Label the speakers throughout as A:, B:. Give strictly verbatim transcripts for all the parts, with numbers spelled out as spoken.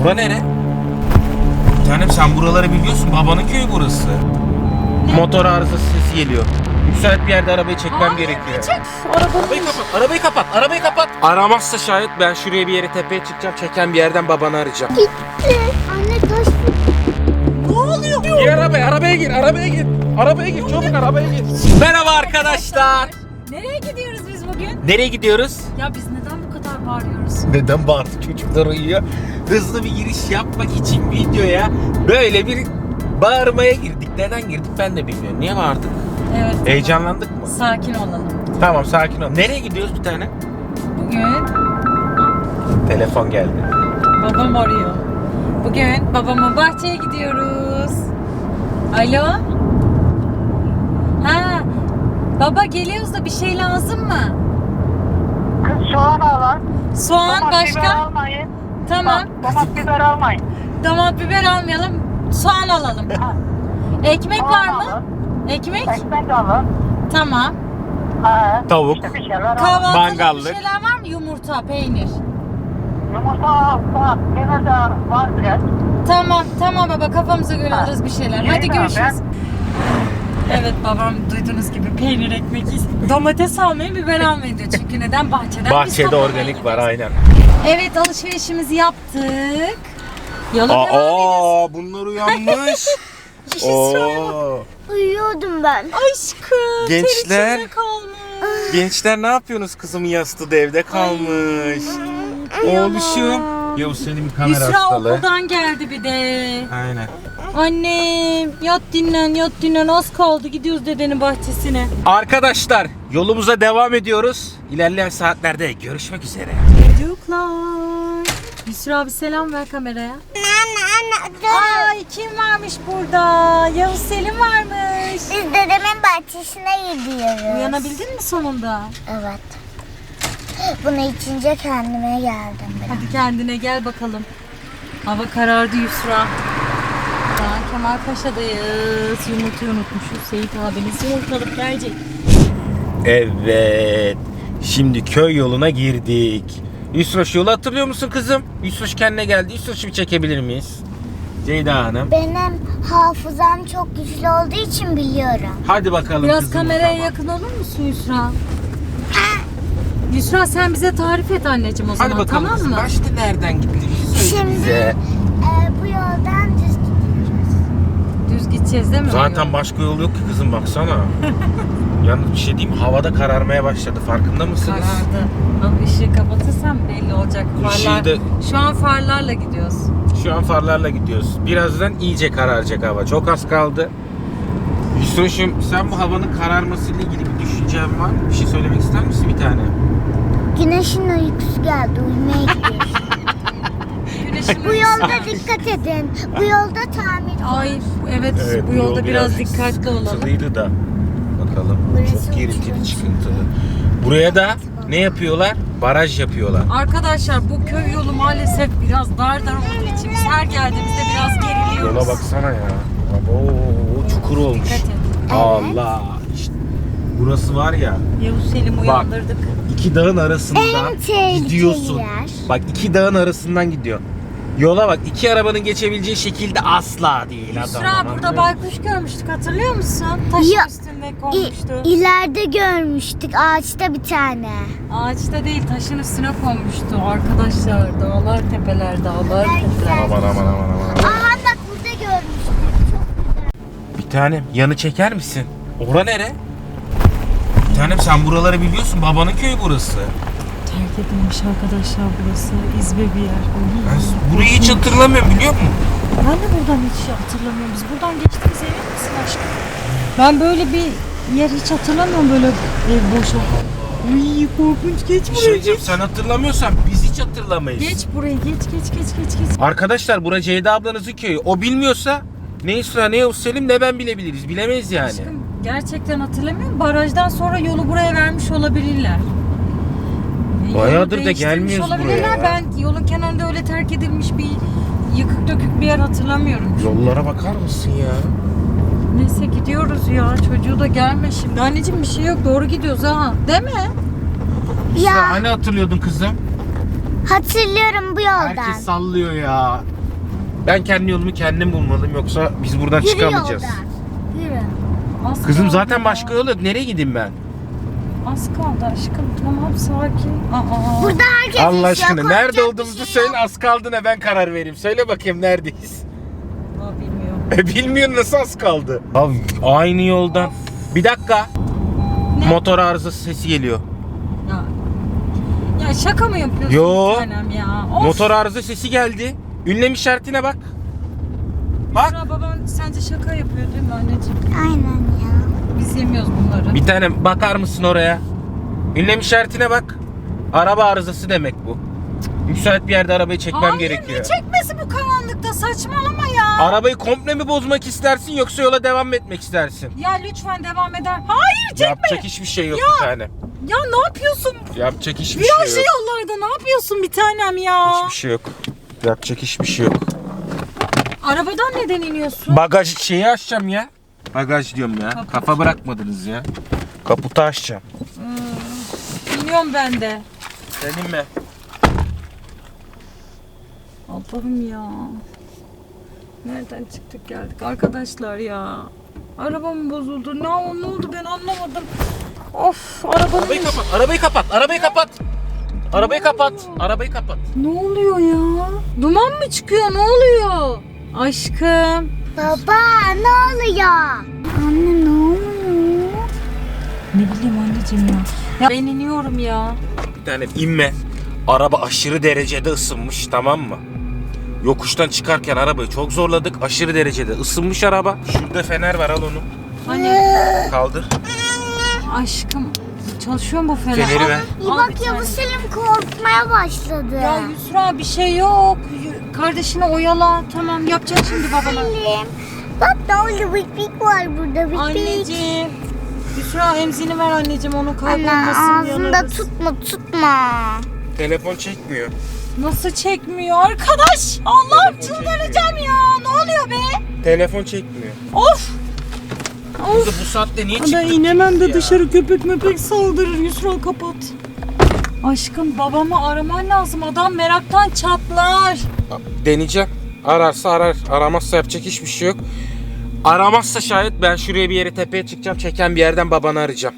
A: Bura nere? Tanem sen buraları biliyorsun. Babanın köyü burası.
B: Ne?
A: Motor arızası sesi geliyor. Müsait bir yerde arabayı çekmem
B: Hayır,
A: gerekiyor.
B: çek. Arabanın
A: Arabayı kapat, arabayı kapat, arabayı kapat. Aramazsa şayet ben şuraya bir yere tepeye çıkacağım. Çeken bir yerden babanı arayacağım.
C: Gitti. Anne taş.
B: ne oluyor?
A: Gir arabaya, arabaya gir, arabaya gir. Arabaya gir, çabuk arabaya gir. Merhaba arkadaşlar.
B: Nereye gidiyoruz biz bugün?
A: Nereye gidiyoruz?
B: Ya biz neden bu kadar bağırıyoruz?
A: Neden bağırdı? Çocuklar uyuyor. Hızlı bir giriş yapmak için videoya böyle bir bağırmaya girdik. Neden girdik ben de bilmiyorum. Niye bağırdık?
B: Evet.
A: Heyecanlandık mı?
B: Sakin olalım.
A: Tamam, sakin ol. Nereye gidiyoruz bir tane?
B: Bugün
A: Telefon geldi.
B: babam arıyor. Bugün babamın bahçeye gidiyoruz. Alo? Ha, baba geliyoruz da bir şey lazım mı?
D: Kız soğan alın.
B: Soğan
D: Domates biber
B: başka?
D: almayın.
B: Tamam.
D: Domates biber almayın.
B: Domates biber almayalım. Soğan alalım.
D: Ha,
B: Ekmek
D: soğan
B: var mı?
D: alın.
B: Ekmek?
D: Ekmek alın.
B: Tamam.
D: Ha,
A: Tavuk.
D: işte bir şeyler alın.
B: Kahvaltılık
A: Mangallık.
B: bir şeyler var mı? Yumurta, peynir.
D: Yumurta alsa gene de var biraz.
B: Tamam, tamam baba kafamıza göre
D: Ha.
B: alırız bir şeyler.
D: Yemin
B: Hadi
D: ederim
B: görüşürüz. Evet babam duyduğunuz gibi peynir ekmek is- domates almayı biber almayı diyor. Çünkü neden bahçeden biz
A: Bahçede
B: toplamaya
A: organik var,
B: gidiyoruz.
A: aynen.
B: Evet alışverişimizi yaptık. Yola devam ediyoruz.
A: Aa, bunlar uyanmış. Oo.
C: Uyuyordum ben.
B: Aşkım. ter
A: Gençler.
B: içinde kalmış.
A: Gençler ne yapıyorsunuz? Kızım yastığı da evde kalmış. Oğluşum. Yavuz senin bir kamera
B: Yusra
A: hastalığı.
B: okuldan geldi bir de.
A: Aynen.
B: Annem yat dinlen yat dinlen az kaldı gidiyoruz dedenin bahçesine.
A: Arkadaşlar yolumuza devam ediyoruz. İlerleyen saatlerde görüşmek üzere.
B: Çocuklar. Yusra abi selam ver kameraya.
C: Anne anne dur.
B: Ay kim varmış burada? Yavuz Selim varmış.
C: Biz dedemin bahçesine gidiyoruz.
B: Uyanabildin mi sonunda?
C: Evet. Bunu içince kendime geldim biraz.
B: Hadi kendine gel bakalım. Hava karardı Yusra. Daha Kemal Paşa'dayız. Yumurtayı unutmuşuz. Seyit abiniz yumurtalık gelecek.
A: Evet. Şimdi köy yoluna girdik. Yusroş yolu hatırlıyor musun kızım? Yusroş kendine geldi. Yusroş'u bir çekebilir miyiz? Ceyda Hanım.
C: Benim hafızam çok güçlü olduğu için biliyorum.
A: Hadi bakalım
B: Biraz
A: kızım. o
B: kameraya
A: zaman.
B: yakın olur musun Yusra? Yusra sen bize tarif et anneciğim o zaman,
A: Hadi bakalım
B: tamam
A: kızım.
B: mı?
A: Başta nereden gittiğimizi söyle
C: Şimdi
A: bize.
C: e, bu yoldan düz gidiyoruz.
B: Düz gideceğiz değil mi?
A: Zaten başka yol yok ki kızım, baksana. Yalnız bir şey diyeyim, havada kararmaya başladı, farkında mısınız?
B: Karardı. Ama ışığı kapatırsam belli olacak.
A: Işığı
B: Farlar.
A: da-
B: Şu an farlarla gidiyoruz.
A: Şu an farlarla gidiyoruz. Birazdan iyice kararacak hava. Çok az kaldı. Yusuf'cum sen bu havanın kararmasıyla ilgili bir düşüncen var mı? Bir şey söylemek ister misin bir tane?
C: Güneşin uykusu geldi. Uyumaya gidiyoruz.
B: Güneşin
C: Bu yolda dikkat edin. Bu yolda tamir.
B: Ay evet, bu yolda biraz, dikkatli olalım.
A: Sıkıntılıydı da. Bakalım.
C: Burası
A: Çok gerinceli,
C: uçurum.
A: çıkıntılı. Buraya da ne yapıyorlar? Baraj yapıyorlar.
B: Arkadaşlar bu köy yolu maalesef biraz dar dar olduğu için biz her geldiğimizde biraz geriliyoruz.
A: Yola baksana ya. Oo, çukur olmuş.
B: Dikkat et.
A: Allah. İşte burası var ya.
B: Yavuz Selim uyandırdık.
A: İki dağın arasından
C: En tehlikeli
A: gidiyorsun.
C: yer.
A: Bak iki dağın arasından gidiyor. Yola bak, iki arabanın geçebileceği şekilde asla değil adam.
B: Yusra burada baykuş görmüştük, hatırlıyor musun? Taşın
C: Ya,
B: üstünde
C: İ,
B: konmuştu.
C: ileride görmüştük ağaçta bir tane.
B: Ağaçta değil, taşın üstüne konmuştu arkadaşlar. Dağlar tepeler, dağlar tepeler.
A: Aman aman aman aman.
C: Aa bak burada görmüştük. Çok güzel.
A: Bir tanem yanı çeker misin? Ora nere? Bir tanem sen buraları biliyorsun. Babanın köyü burası.
B: Terk edilmiş arkadaşlar burası. İzbe bir yer.
A: Ben burayı hiç hatırlamıyorum, biliyor musun?
B: Ben de buradan hiç hatırlamıyorum. Biz buradan geçtiğimiz emin misin aşkım? Ben böyle bir yer hiç hatırlamıyorum, böyle ev boş. Uy korkunç, geç
A: Bir
B: buraya
A: şey diyeceğim,
B: geç.
A: sen hatırlamıyorsan biz hiç hatırlamayız.
B: Geç buraya geç geç geç geç geç.
A: Arkadaşlar bura Ceyda ablanızın köyü. O bilmiyorsa ne Yusra ne Yavuz Selim ne ben bilebiliriz. Bilemeyiz yani.
B: Aşkım gerçekten hatırlamıyorum. Barajdan sonra yolu buraya vermiş olabilirler. Yolu
A: Bayağıdır da
B: değiştirmiş
A: gelmiyoruz
B: olabilirler.
A: buraya.
B: Ben yolun kenarında öyle terk edilmiş bir yıkık dökük bir yer hatırlamıyorum.
A: Yollara bakar mısın ya?
B: Neyse gidiyoruz ya. Çocuğu da gelme şimdi. Anneciğim bir şey yok. Doğru gidiyoruz ha. Değil mi?
A: Yusra
C: Ya.
A: hani hatırlıyordun kızım?
C: Hatırlıyorum bu yoldan.
A: Herkes sallıyor ya. Ben kendi yolumu kendim bulmalıyım yoksa biz buradan
C: Yürü
A: çıkamayacağız.
C: yoldan. Yürü.
B: Az
A: Kızım
B: kaldı
A: zaten
B: ya.
A: başka yol yok. Nereye gideyim ben?
B: Az kaldı aşkım. Tamam sakin. Aa.
C: Burada herkes
A: Allah
C: yaşıyor,
A: aşkına
C: korkacak
A: nerede
C: bir
A: olduğumuzu
C: şey
A: söyle,
C: yok.
A: az kaldı ne ben karar vereyim. Söyle bakayım neredeyiz?
B: Aa, bilmiyorum.
A: E, bilmiyorsun nasıl az kaldı? Abi aynı yoldan. Bir dakika.
B: Ne?
A: Motor arızası sesi geliyor.
B: Ya. Ya şaka mı yapıyorsun
A: Yo.
B: bir tanem ya? Of.
A: Motor arıza sesi geldi. Ünlem işaretine bak. Bak.
B: Yusra, baban sence şaka yapıyor değil mi anneciğim?
C: Aynen ya.
B: Biz yemiyoruz bunları.
A: Bir tane bakar mısın oraya? Ünlem işaretine bak. Araba arızası demek bu. Müsait bir yerde arabayı çekmem
B: Hayır,
A: gerekiyor.
B: ne çekmesi bu karanlıkta, saçmalama ya.
A: Arabayı komple mi bozmak istersin yoksa yola devam mı etmek istersin?
B: Ya lütfen devam eder. Hayır çekme.
A: Yapacak hiçbir şey yok
B: Ya.
A: bir tane.
B: Ya ne yapıyorsun?
A: Yapacak hiçbir
B: Virajlı
A: şey yok.
B: yollarda ne yapıyorsun bir tanem ya?
A: Hiçbir şey yok. Yapacak hiçbir şey yok.
B: Arabadan neden iniyorsun?
A: Bagaj şeyi açacağım ya. Bagaj diyorum ya.
B: Kaput.
A: Kafa bırakmadınız ya. Kaputu açacağım.
B: İniyorum ben de.
A: Senin mi?
B: Allah'ım ya. Nereden çıktık geldik arkadaşlar ya. Arabam bozuldu. Ne, ne oldu ben anlamadım. Of arabanın...
A: Arabayı kapat. Arabayı kapat. Arabayı kapat. Arabayı kapat. Arabayı kapat.
B: Ne oluyor ya? Duman mı çıkıyor? Ne oluyor? Aşkım.
C: Baba ne oluyor? Anne ne oluyor?
B: Ne bileyim anneciğim ya. Ya ben iniyorum ya.
A: Bir tane inme. Araba aşırı derecede ısınmış, tamam mı? Yokuştan çıkarken arabayı çok zorladık. Aşırı derecede ısınmış araba. Şurada fener var, al onu.
B: Hani
A: Kaldır.
B: aşkım çalışıyor mu bu fener?
A: Feneri ver.
C: İyi
B: Al bir
C: bak
B: tane.
C: Yavuz Selim korkmaya başladı.
B: Ya Yusra bir şey yok. Y- Kardeşini oyala. Tamam yapacak şimdi babana.
C: Selim. Bak ne oldu, bik bik var burada, bik bik.
B: Anneciğim. Yusra emzini ver anneciğim, onu
C: Anne
B: kaybolmasın.
C: ağzında
B: yanarız.
C: tutma tutma.
A: Telefon çekmiyor.
B: Nasıl çekmiyor arkadaş? Allah'ım çıldıracağım ya. Ne oluyor be?
A: Telefon çekmiyor.
B: Of.
A: Kızı bu saatte niye çıktık?
B: Ben inemem de
A: ya?
B: dışarı, köpek möpek saldırır. Yusra kapat. Aşkım babamı araman lazım. Adam meraktan çatlar.
A: Deneyeceğim. Ararsa arar. Aramazsa yapacak hiçbir şey yok. Aramazsa şayet ben şuraya bir yere tepeye çıkacağım. Çeken bir yerden babanı arayacağım.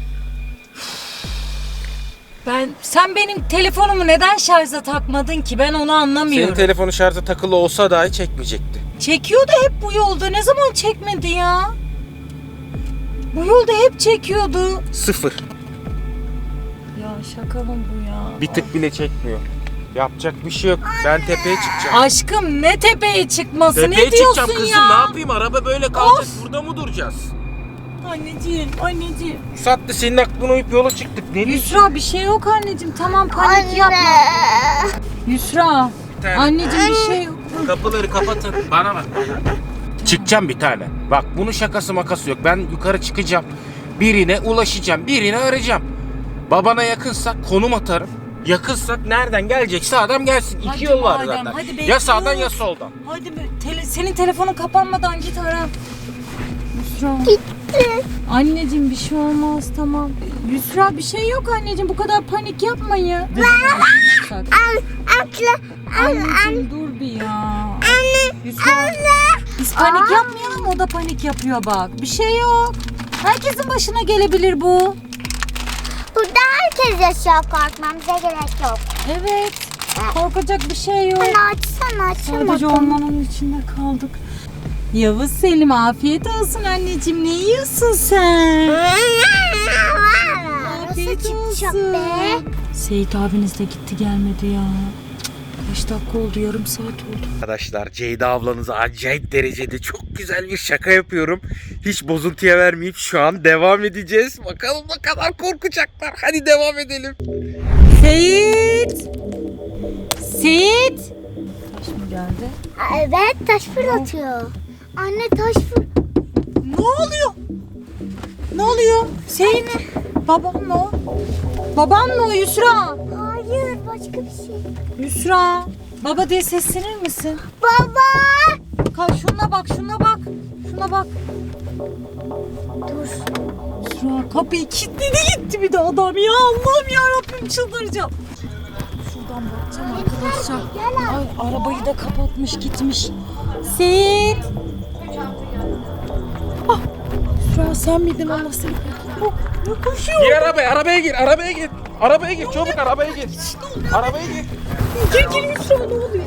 B: Ben sen benim telefonumu neden şarja takmadın ki? Ben onu anlamıyorum.
A: Senin telefonu şarja takılı olsa dahi çekmeyecekti.
B: Çekiyordu hep bu yolda. Ne zaman çekmedi ya? Bu yolda hep çekiyordu.
A: Sıfır.
B: Ya şaka mı bu ya?
A: Bir tık bile çekmiyor. Yapacak bir şey yok. Ben tepeye çıkacağım.
B: Aşkım ne tepeye çıkması?
A: Tepeye
B: ne diyorsun
A: çıkacağım kızım.
B: ya?
A: Ne yapayım? Araba böyle kalacak. Burada mı duracağız?
B: Anneciğim, anneciğim.
A: Bu saatte senin aklına uyup yola çıktık. Ne diyorsun?
B: Yusra bir şey yok anneciğim. Tamam panik
C: Anne.
B: yapma. Yusra.
A: Bir tane.
B: Anneciğim bir şey yok.
A: Kapıları kapatın. Bana bak. Çıkacağım bir tane. Bak bunun şakası makası yok. Ben yukarı çıkacağım. Birine ulaşacağım. Birine arayacağım. Babana yakınsak konum atarım. Yakınsak nereden gelecekse adam gelsin. İki
B: Hadi
A: yol var
B: madem,
A: zaten.
B: hadi
A: Ya
B: bekliyoruz.
A: sağdan ya soldan.
B: Hadi be, tele- senin telefonun kapanmadan git ara. Yusra. Anneciğim bir şey olmaz tamam. Yusra bir şey yok anneciğim, bu kadar panik yapmayın.
C: Al atla. Al
B: Anneciğim dur bir ya. Anne. Yusra. Biz panik yapmayalım, o da panik yapıyor bak. Bir şey yok. Herkesin başına gelebilir bu.
C: Burada herkes yaşıyor, korkmamıza gerek yok.
B: Evet. Korkacak bir şey yok.
C: Anne açsana açsana.
B: Sadece ormanın içinde kaldık. Yavuz Selim afiyet olsun anneciğim. Ne yiyorsun sen?
C: Nasıl çıkacak be?
B: Seyit abiniz de gitti gelmedi ya. Kaç dakika oldu? Yarım saat oldu.
A: Arkadaşlar Ceyda ablanıza acayip derecede çok güzel bir şaka yapıyorum. Hiç bozuntuya vermeyip şu an devam edeceğiz. Bakalım ne kadar korkacaklar. Hadi devam edelim.
B: Seyit! Seyit! Taş mı geldi?
C: Aa, evet taş fırlatıyor. Anne taş fır...
B: Ne oluyor? Ne oluyor? Seyit! Babam mı o? Babam mı o Yusra?
C: Hayır başka bir şey.
B: Yusra! Baba diye seslenir misin?
C: Baba!
B: Kalk şuna bak, şuna bak. Şuna bak.
C: Dur.
B: Yusra kapıyı kilitledi gitti bir de adam ya. Allah'ım ya Rabbim çıldıracağım. Şuradan bakacağım arkadaşlar. Ay arabayı da kapatmış gitmiş. Seyit. Ah, Şura sen miydin Allah seni? Oh, ne koşuyor?
A: Gir arabaya, arabaya gir, arabaya gir. Arabaya gir, çabuk arabaya gir. Arabaya gir.
B: Gir gir Yusra ne oluyor?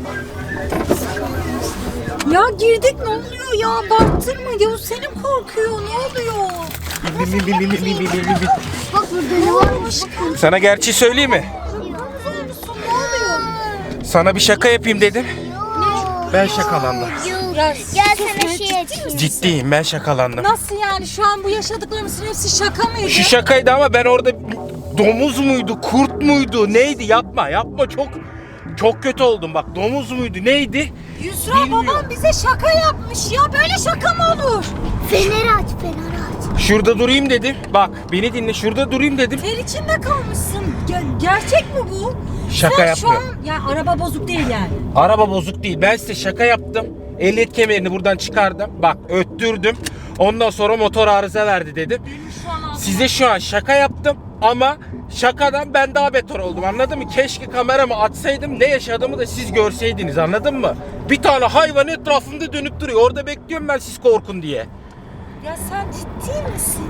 B: Ya girdik ne oluyor ya? Baktırma Yavuz Selim korkuyor ne oluyor?
A: Bin, bin, bin, bin, bin, bin, bin, bin, bin.
C: Bak burada ne varmış?
A: Sana gerçeği söyleyeyim mi?
B: Ne oluyor?
A: Sana bir şaka yapayım dedim. Ben şakalandım.
C: Gel sana şey açayım.
A: Ciddiyim, ben şakalandım.
B: Nasıl yani şu an bu yaşadıklarımızın hepsi şaka mıydı?
A: Şu şakaydı ama ben orada domuz muydu, kurt muydu, neydi? Yapma, yapma çok çok kötü oldum bak. Domuz muydu, neydi?
B: Yusra
A: Bilmiyorum.
B: babam bize şaka yapmış ya böyle şaka mı olur?
C: Feneri aç, feneri aç.
A: Şurada durayım dedim. Bak beni dinle, şurada durayım dedim.
B: Ter içinde kalmışsın. Ge- gerçek mi bu?
A: Şaka
B: Sen
A: yapmıyorum.
B: şu an yani araba bozuk değil yani.
A: Araba bozuk değil. Ben size şaka yaptım. Ehliyet kemerini buradan çıkardım. Bak öttürdüm. Ondan sonra motor arıza verdi dedim.
B: Şu an
A: Size şu an şaka yaptım ama şakadan ben daha beter oldum, anladın mı? Keşke kameramı açsaydım, ne yaşadığımı da siz görseydiniz, anladın mı? Bir tane hayvan etrafımda dönüp duruyor. Orada bekliyorum ben, siz korkun diye.
B: Ya sen ciddi misin?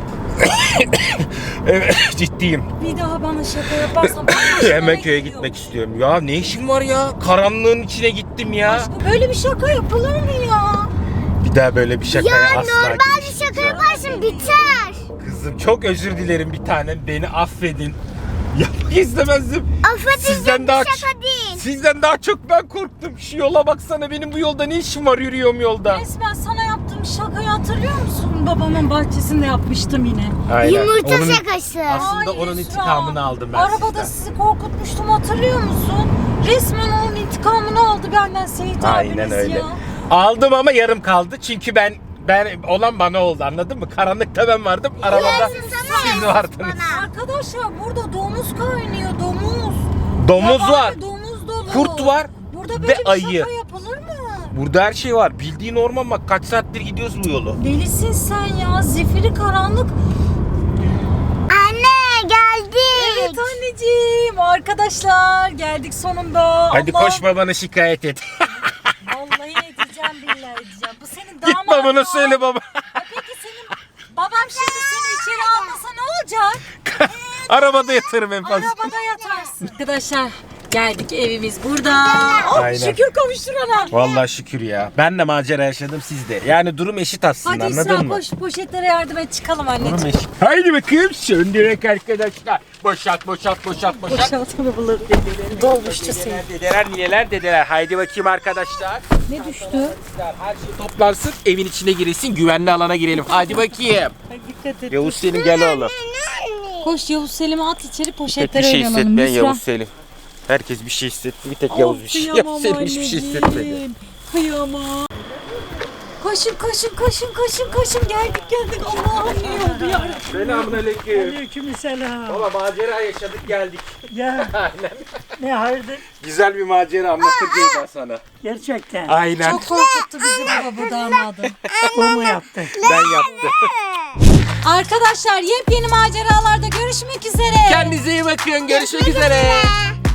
A: Evet ciddiyim.
B: Bir daha bana şaka yaparsan ben başıma
A: Hemen
B: ne
A: köye
B: geliyor?
A: gitmek istiyorum. Ya ne işim var ya? Karanlığın içine gittim ya.
B: Aşkım böyle bir şaka yapılır mı ya?
A: Bir daha böyle bir şakaya
C: Ya
A: asla
C: normal bir
A: girişmeyeceğim.
C: şaka yaparsın biter.
A: Kızım çok özür dilerim bir tanem. Beni affedin. Yapmak istemezdim.
C: Affedilecek
A: Sizden
C: bir
A: daha
C: şaka değil.
A: Sizden daha çok ben korktum. Şu yola baksana, benim bu yolda ne işim var, yürüyorum yolda.
B: Resmen sana yaptığım şakayı hatırlıyor musun? Babamın bahçesinde yapmıştım yine.
C: Yumurta
A: Onun-
C: şakası.
A: Aslında
B: Ay
A: onun
B: Yusra,
A: intikamını aldım ben
B: Arabada
A: sizden.
B: sizi korkutmuştum hatırlıyor musun? Resmen onun intikamını aldı benden Seyit
A: Aynen
B: abiniz
A: öyle.
B: ya.
A: Aldım ama yarım kaldı. Çünkü ben ben olan bana oldu, anladın mı? Karanlıkta ben vardım. Arabada
C: Yarısı sana,
A: siz
C: yarısı
A: vardınız.
C: bana.
B: Arkadaşlar burada domuz kaynıyor domuz.
A: Domuz
B: Yabani
A: var.
B: Domuz dolu.
A: Kurt var
B: Burada
A: ve
B: böyle bir
A: ayı.
B: şaka yapılır mı?
A: Burada her şey var. Bildiğin orman, bak kaç saattir gidiyoruz bu yolu.
B: Delisin sen ya. Zifiri karanlık.
C: Anne geldik.
B: Evet anneciğim. Arkadaşlar geldik sonunda.
A: Hadi
B: Allah.
A: koş babana şikayet et.
B: Vallahi edeceğim billahi edeceğim. Bu senin
A: Git
B: damadın.
A: babana söyle baba.
B: Ya peki senin babam şimdi seni içeri almasa ne olacak?
A: Arabada yatırım en fazla.
B: Arabada yatarsın. Arkadaşlar geldik, evimiz burada. Oh,
A: Aynen.
B: şükür kavuşturana.
A: Vallahi şükür ya. Ben de macera yaşadım, siz de. Yani durum eşit aslında,
B: Hadi İsra
A: anladın mı?
B: koş poşetlere yardım et çıkalım
A: Durum
B: anneciğim.
A: eşit. Haydi bakayım söndürek arkadaşlar. Boşalt boşalt boşalt boşalt.
B: Boşalt arabaları dedeleri. Dolmuştu seni.
A: Dedeler, dedeler, nineler, dedeler. Haydi bakayım arkadaşlar.
B: Ne düştü?
A: Her şey toplansın, evin içine girilsin, güvenli alana girelim. Hadi bakayım.
B: Dikkat et.
A: Yavuz Selim gel oğlum.
B: Koş Yavuz Selim'i at içeri
A: Tek
B: poşetlere
A: bir şey
B: oynayalım.
A: hissetmeyen
B: Yusra.
A: Yavuz Selim. Herkes bir şey hissetti, bir tek Yavuz bir şey.
B: Kıyamam
A: Yavuz Selim hiçbir şey hissetmedi.
B: anneciğim. Kıyamam. Koşun koşun koşun koşun koşun geldik geldik Allah'ım iyi oldu ya.
A: Selamünaleyküm.
E: Aleykümselam.
A: Baba macera yaşadık geldik.
E: Ya
A: Aynen.
E: ne hayırdır?
A: Güzel bir macera anlatacağım ben sana.
E: Gerçekten.
A: Aynen.
B: Çok korkuttu bizi baba bu damadı.
E: O mu yaptı?
A: Ben yaptım.
B: Arkadaşlar yepyeni maceralarda görüşmek üzere.
A: Kendinize iyi bakın. Görüşmek üzere.